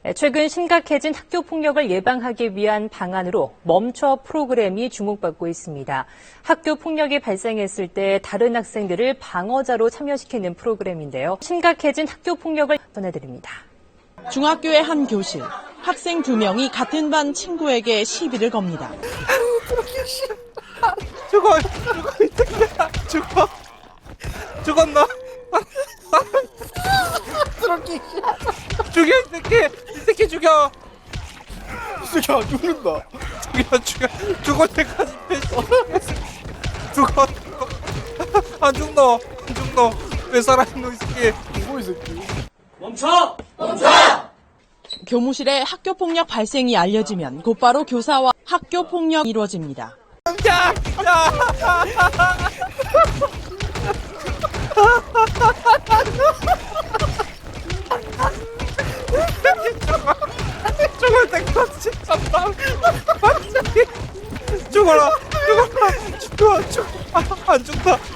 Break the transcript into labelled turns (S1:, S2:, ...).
S1: 최근 심각해진 학교 폭력을 예방하기 위한 방안으로 멈춰 프로그램이 주목받고 있습니다. 학교 폭력이 발생했을 때 다른 학생들을 방어자로 참여시키는 프로그램인데요. 심각해진 학교 폭력을 전해드립니다.
S2: 중학교의 한 교실. 학생 2명이 같은 반 친구에게 시비를 겁니다.
S3: 죽었나? 죽여, 이 새끼 죽여!
S4: 이 새끼 안 죽는다.
S3: 죽을 때까지 죽어. 안 죽노. 왜 살아있노, 이 새끼.
S4: 죽어, 이 새끼.
S3: 멈춰!
S2: 교무실에 학교 폭력 발생이 알려지면 곧바로 교사와 학교 폭력이 이루어집니다.
S3: 야! 죽을 때까지 참다. 죽어라. 죽어. 안 죽다.